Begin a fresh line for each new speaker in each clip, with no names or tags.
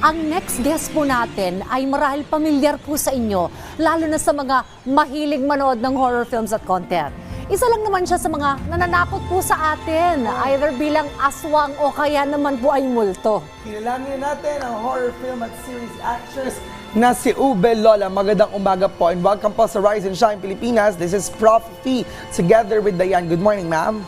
Ang next guest po natin ay marahil pamilyar po sa inyo, lalo na sa mga mahilig manood ng horror films at content. Isa lang naman siya sa mga nananakot po sa atin, either bilang aswang o kaya naman po ay multo.
Kilalanin natin ang horror film at series actress na si Ube Lola. Magandang umaga po and welcome po sa Rise and Shine Pilipinas. This is Prof. Fee together with Diane. Good morning, ma'am.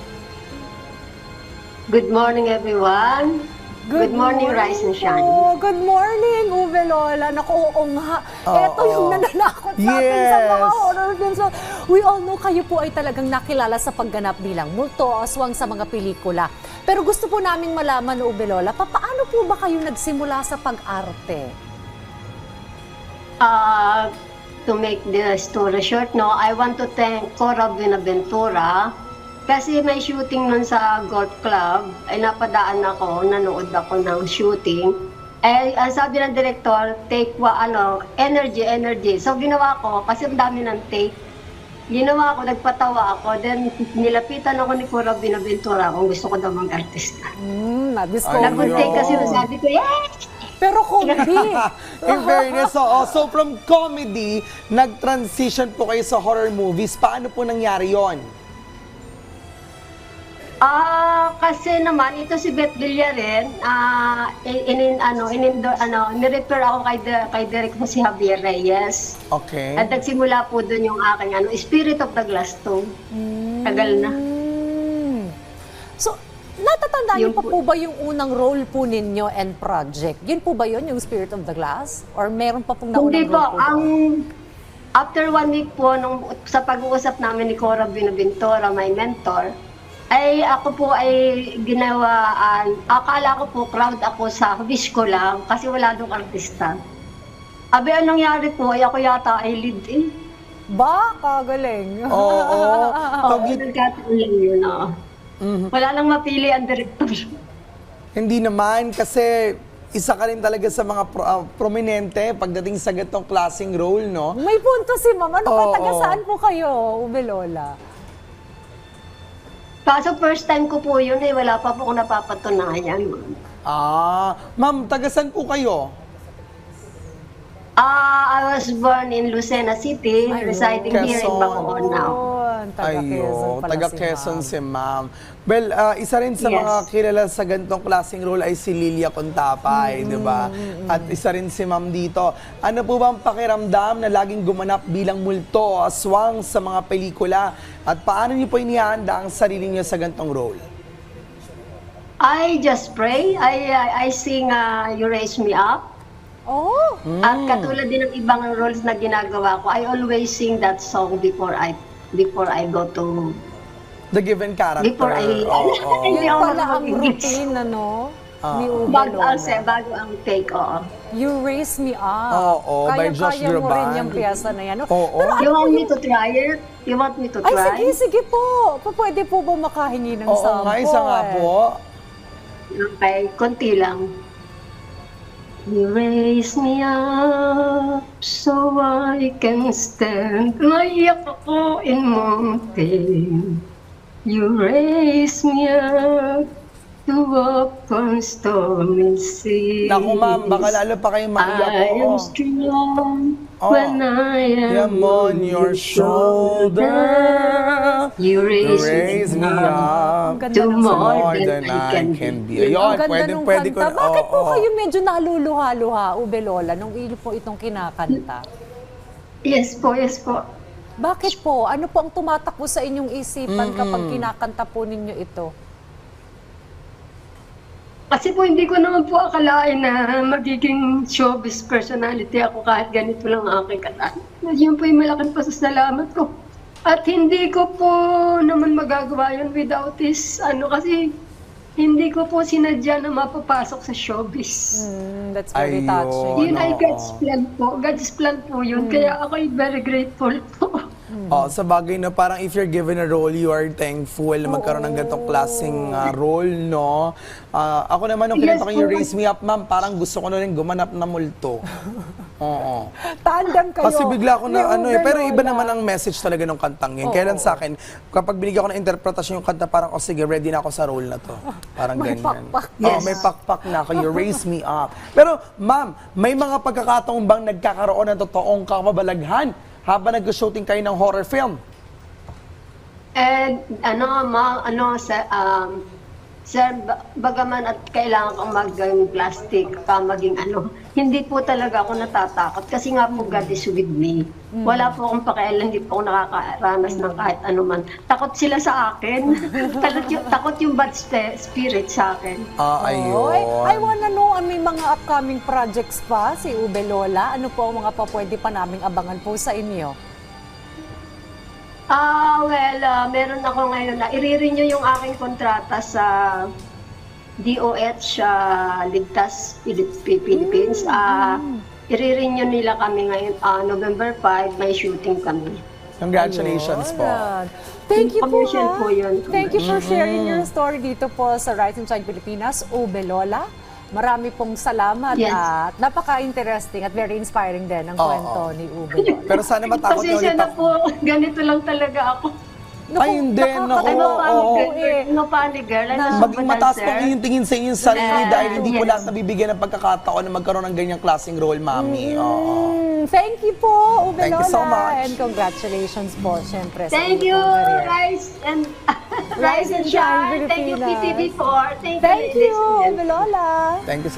Good morning, everyone. Good morning, Rise and Shine.
Po. Good morning, Ube Lola. Naku, oo nga. Ito yung nananakot sa atin sa mga horror films. So, we all know kayo po ay talagang nakilala sa pagganap bilang multo o aswang sa mga pelikula. Pero gusto po namin malaman, Ube Lola, paano po ba kayo nagsimula sa pag-arte?
To make the story short, no, I want to thank Cora Buenaventura kasi may shooting nun sa golf club, ay napadaan ako, nanood ako ng shooting. Eh, ang sabi ng director, take energy. So ginawa ko, kasi ang dami ng take. Ginawa ko, nagpatawa ako, then nilapitan ako ni Cora Buenaventura kung gusto ko daw mag-artista. Nag-take kasi sabi ko, yes!
Pero comedy.
In fairness, so from comedy, nag-transition po kayo sa horror movies. Paano po nangyari yon?
Kasi naman, ito si Beth Villarin, nirefer ako kay Direk mo si Javier Reyes.
Okay.
At nagsimula po doon yung aking Spirit of the Glass Tomb. Tagal na.
So, natatandaan niyo pa po ba yung unang role po ninyo and project? Yun po ba yun, yung Spirit of the Glass? Or meron pa pong naunang
Hindi
role
po,
po?
After 1 week po, sa pag-uusap namin ni Cora Buenaventura, my mentor, ay ako po ay ginawaan, akala ko po crowd ako sa wish ko lang kasi wala doong artista. Abi, anong nangyari po, ay ako yata ay lead eh.
Ba, kagaling.
Oo.
Nagkataon lang yun, Wala lang mapili ang director.
Hindi naman, kasi isa ka rin talaga sa mga prominente pagdating sa ganitong klaseng role, no?
May punto si Ma'am. Ano ka, taga saan po kayo, Ube Lola?
Kaso first time ko po yun eh, wala pa po akong napapatunayan.
Ma'am, taga saan po kayo?
I was born in Lucena City, residing here in Bacoor now.
Taga Quezon si Ma'am. Well, isa rin sa
Yes.
mga kilala sa ganitong klaseng role ay si Lilia Contapay, di ba? At isa rin si Ma'am dito. Ano po bang pakiramdam na laging gumanap bilang multo o aswang sa mga pelikula? At paano niyo po inihanda ang sarili niyo sa ganitong role?
I just pray. I sing You Raise Me Up.
Oh!
At katulad din ng ibang roles na ginagawa ko, I always sing that song before I go to...
The given character.
Before I...
Yun pala ang routine, ano? Ni Ube
Bago
Lola.
ang take, oo.
You Raise Me Up.
Oo, by Josh
Kaya mo rin
Groban.
yung piyesa na yan.
Oo.
Pero
You want me to try it? You want me to
ay,
try?
sige po. Pwede po ba makahingi ng
Oo
sample?
nga, isa nga po.
Okay, konti lang. You raise me up so I can stand. Maiyak ako in mountain. You raise me up to walk on stormy seas.
Naku ma'am, baka lalo pa kayong maiyak.
I am strong when I am
on your shoulder.
You
Raise me up
Ang ganda
to
ng
more than I can be.
Ayun,
Ang ganda nung
pwede ko.
kanta. Bakit po
oo.
kayo medyo naluluha-luha, Ube Lola, nung iyo po itong kinakanta?
Yes po, yes po.
Bakit po? Ano po ang tumatakbo sa inyong isipan kapag kinakanta po ninyo ito?
Kasi po hindi ko naman po akalain na magiging showbiz personality ako kahit ganito lang ang aking kanta. Yun po yung malaking pasasalamat ko. At hindi ko po naman magagawa yun without this, kasi hindi ko po sinadya na mapapasok sa showbiz.
That's very
Ayun.
touching.
Yun ay God's plan po. God's plan po yun. Kaya ako ay very grateful po.
Oh, sa bagay na parang if you're given a role, you are thankful na magkaroon ng ganitong klaseng role, no? Ako naman, nung
Yes,
kinanta ko yung
po.
Raise Me Up, ma'am, parang gusto ko na rin gumanap na multo. Oo.
Tandem kayo.
Kasi bigla ako na
ni Ube
pero iba
Lola.
naman ang message talaga ng kantang yun. Kailan sa akin, kapag binigyan ko ng interpretasyon yung kanta, parang, sige, ready na ako sa role na to. Parang
May
ganyan.
pakpak.
Oo, may pakpak na ako. You raise me up. Pero, ma'am, may mga pagkakataon bang nagkakaroon ng totoong kamabalaghan habang nag-shooting kayo ng horror film?
Sir, bagaman at kailangan kong maging plastic, maging hindi po talaga ako natatakot kasi nga po God is with me. Wala po akong pakialam, hindi po ako nakakaranas ng kahit anuman. Takot sila sa akin. takot yung bad spirit sa akin.
Ayun.
I wanna know, may mga upcoming projects pa si Ube Lola? Ano po ang mga pwede pa naming abangan po sa inyo?
Meron ako ngayon na i-renew yung aking kontrata sa DOH Ligtas Philippines. I-renew nila kami ngayon, November 5, may shooting kami.
Congratulations po.
Ayan. Thank you po,
Commercial
ha?
po yun.
Thank you for sharing your story dito po sa Rise and Shine Pilipinas, Ube Lola. Marami pong salamat
Yes.
at napaka-interesting at very inspiring din ang kwento ni Ube Lola.
Pero sana matakot niyo
Pasensya
ulit
na
ako.
po, ganito lang talaga ako.
Ay, hindi. Naku,
I'm
oo.
a panic girl.
Maging mataas po yung tingin sa inyong sarili dahil hindi po
Yes.
lahat nabibigyan ng pagkakataon na magkaroon ng ganyang klaseng role, mami. Oo.
Thank you po, Ube
Thank you
Lola.
so much.
And congratulations po, syempre. sa
Thank
inyo
you,
pong career.
Rise and Shine. Thank you,
Pilipinas.
PTV4. Thank
Thank
you,
you,
ladies and gentlemen.
Ube Lola.
Thank you